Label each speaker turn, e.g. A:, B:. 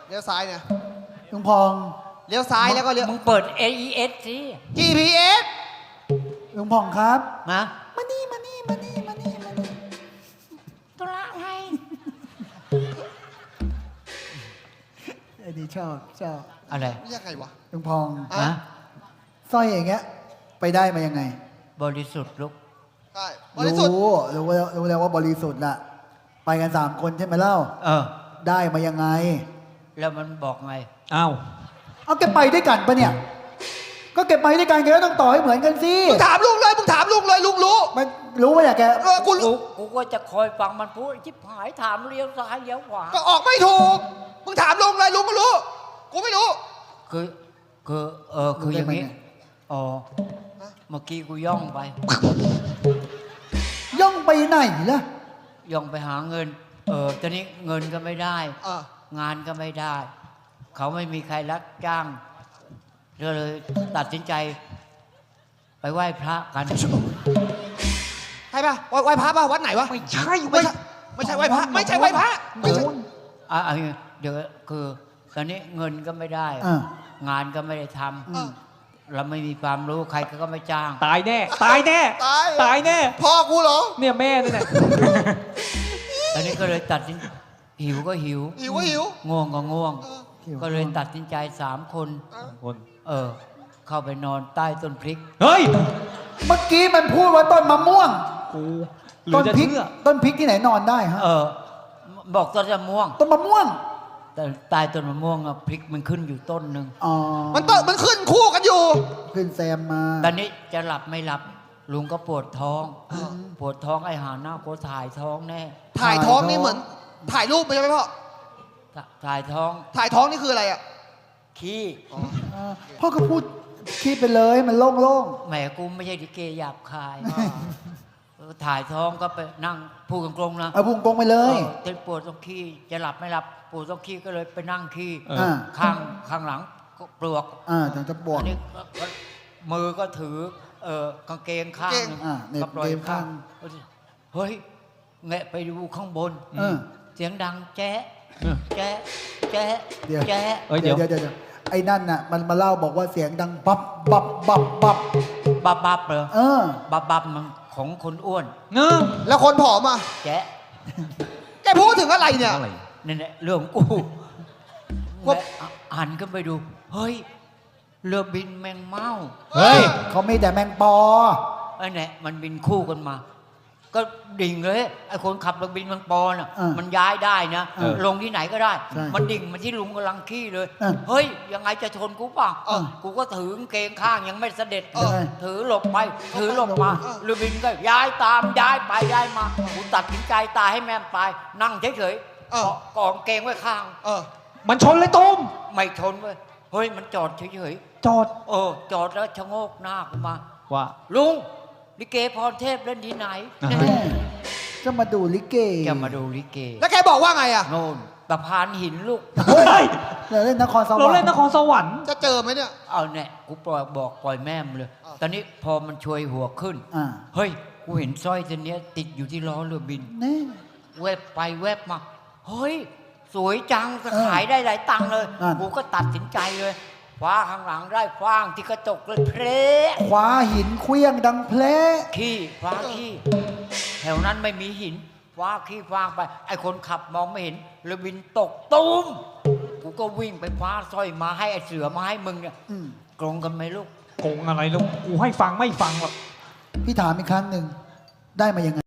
A: เลี้ยวซ้ายเนี่ย
B: ลุงพอง
A: เลี้ยวซ้ายแล้วก็เลี้ยว
C: มึงเปิด AES สิ
A: GPS
B: ลุงพองครับ
C: นะ
B: มานี่มานี่มานี่มานี่มานี่
C: ตุลาไง
B: ไอ้นี่ชอบ
C: อะไร
A: ยังไงวะ
B: ลุงพอง
A: อ่ะ
C: นะ
B: สร้อยอย่างเงี้ย ไปได้มายังไง
C: บริสุทธิ์ลูก
A: ใช่บริสุทธิ์
B: รู้แล้วว่าบริสุทธิ์น่ะ ไปกัน3 คนใช่ไหมเล่า
C: เออ
B: ได้มายังไง
C: แล้วมันบอกไง
D: อ้าว
B: เอาแกไปด้วยกันปะเนี่ย ก็แกไปด้วยกันแกก็ต้องต่อให้เหมือนกันสิ
A: มึงถามลุงเลยมึงถามลุงเลยลุงรู้
B: มันรู้ไหมเนี่ยแก
A: กู
C: กูก็จะคอยฟังมันพูดชิบหายถามเลี้ยวซ้ายเลี้ยวขวา
A: ก็ออกไม่ถูกมึงถามลุงเลยลุงก็รู้กูไม่รู้
C: คืออย่างนี้อ๋อเมื่อกี้กูย่องไป
B: ย่องไปไหนล่ะ
C: ย่องไปหาเงิน ตอนนี้เงินก็ไม่ได้ งานก็ไม่ได้ เขาไม่มีใครรับจ้างก็เลยตัดสินใจ ไปไหว้พระกัน
A: ใช่ป่ะไหว้พระป่ะวัดไหนวะ
D: ไม่ใช่
A: ไม่ใช่ไหว้พระไม่ใช่ไหว้พระไม่ใช่
C: เดี๋ยวคือตอนนี้เงินก็ไม่ได้
B: อ่า
C: งานก็ไม่ได้ทำเราไม่มีความรู้ใครก็ไม่จ้าง
D: ตายแน่ ตายแน่ ตายแน่
A: พ่อกูเหรอ
D: เนี่ยแม่นี่แหละ
C: ตอนนี้ก็เลยตัดสินหิวก็หิว
A: หิวก็หิว
C: ง่วงก็ง่วง
B: หิว
C: ก็เลยตัดสินใจ3 คน
D: คน
C: เข้าไปนอนใต้ต้นพริก
D: เฮ้ย
B: เมื่อกี้มันพูดว่าต้นมะม่วง
D: กูหรือ
B: ต้น
D: จะ
B: พริก
D: เชื่อ
B: ต้นพริกที่ไหนนอนได้ฮะ
C: บอกต้นมะม่วง
B: ต้นมะม่วง
C: แต่ใต้ต้นมะม่วงพริกมันขึ้นอยู่ต้นหนึ่ง
B: อ๋อ
A: มันขึ้นคู่กันอยู่
B: ขึ้นแซมมา
C: ตอนนี้จะหลับไม่หลับ ลุงก็ปวดท้อง ปวดท้องไอ้หาหน้ากูถ่ายท้องแน่
A: ถ่ายท้องนี่เหมือนถ่ายรูปไปใช่ไหมพ่อ
C: ถ่ายท้อง
A: ถ่ายท้องนี่คืออะไรอ่ะ
C: ขี้
B: พ่อก็พูดคิดไปเลยมันโล่ง
C: แหมกูไม่ใช่ดิเกหยาบคายถ่ายท้องก็ไปนั่งพูดกงๆนะ
B: ๆเอาพุงกงไปเลย
C: เต้นปวดตรงขี้จะหลับไม่หลับปวดตรงขี้ก็เลยไปนั่งขี้
B: อ่า
C: ข้างหลังก็ปลวก
B: ถึงจะปวด
C: อันนี้ก็มือก็ถือกางเกงข้างหนึ่ง
B: เหน็บ
C: ก็ปล่อย
B: เกงข้าง
C: เฮ้ยแงะไปดูข้างบน เสียงดังแจ๊ะแจ๊ะแจ๊ะ
B: เดี๋ยว
C: แจ๊ะ
D: เฮ้ย
B: เดี๋
D: เดี๋
B: ย
D: ยว ว
B: เดี๋ยวไอ้นั่นน่ะมันมาเล่าบอกว่าเสียงดังบับบับบับบับ
C: บับเหรอ บับมันของคนอ้วน
D: เนอะ
A: แล้วคนผอมอ่ะ
C: แจ๊ะ
A: แกพูดถึงอะไรเนี่ย
D: อะไร
C: นั่นแหละเรื่องของกูแม่หันก็ไปดู เฮ้ย เรือบินแมงเม่า
D: เฮ้ย
B: เขามีแต่แมงปอ
C: ไอ้เนี่ยมันบินคู่กันมา ก็ดิ่งเลยไอ้คนขับเรือบินแมงปอน่ะ มันย้ายได้นะ ลงที่ไหนก็ได้
B: ใช่
C: มันดิ่งมาที่ลุงกำลังขี้เลย
B: เออ
C: เฮ้ย ยังไงจะชนกูเปล่ะ
A: เออ
C: กูก็ถือกางเกงข้างยังไม่เสด็จ
B: เออ
C: ถือหลบไป ถือหลบมาเรือบินก็ย้ายตามย้ายไปย้ายมากูตัดสินใจตายให้แม่มตายนั่งเฉยๆกองเกงไว้ข้าง
D: มันชนเลยตุ้ม
C: ไม่ชนเว้ย เฮ้ย มันจอดเฉย
D: จอด
C: ๆจอดแล้วชะโงกหน้ากูมา
D: ว่า
C: ลุงลิเกพรเทพเล่นที่ไหน
D: อ่า
B: แม่จะมาดูลิเก
C: จะมาดูลิเก
A: แล้วแกบอกว่าไงอ่ะ
C: โน่นตะพานหินลูก
D: เฮ้ย
B: เราเล่นนครสวรรค์
D: เราเล่นนครสวรรค์
A: จะเจอไหมเนี่ย
C: เอาเนี่ยกูปล่อยแม่มเลย ตอนนี้พอมันช่วยหัวขึ้น เฮ้ย กูเห็นสร้อยเส้นเนี้ยติดอยู่ที่ล้อเรือบิน
B: นี่
C: แวบไปแวบมา เฮ้ย สวยจังจะขายได้หลายตังค์เลย กูก็ตัดสินใจเลยคว้าข้างหลังได้ฟางที่กระจกเลยเพล
B: คว้าหินเคลี้ยงดังเพล
C: ขี้ฟ้าขี้แถวนั้นไม่มีหินฟ้าขี้ฟางไป ไอ้คนขับมองไม่เห็นเรือบินตกตุ้มกูก็วิ่งไปคว้าสร้อยมาให้ไอ้เสือมาให้มึงเนี่ยกรงกันไหมลูก
D: โกงอะไรลูก กูให้ฟังไม่ฟังหรอก
B: พี่ถามอีกครั้งหนึ่งได้มายังไง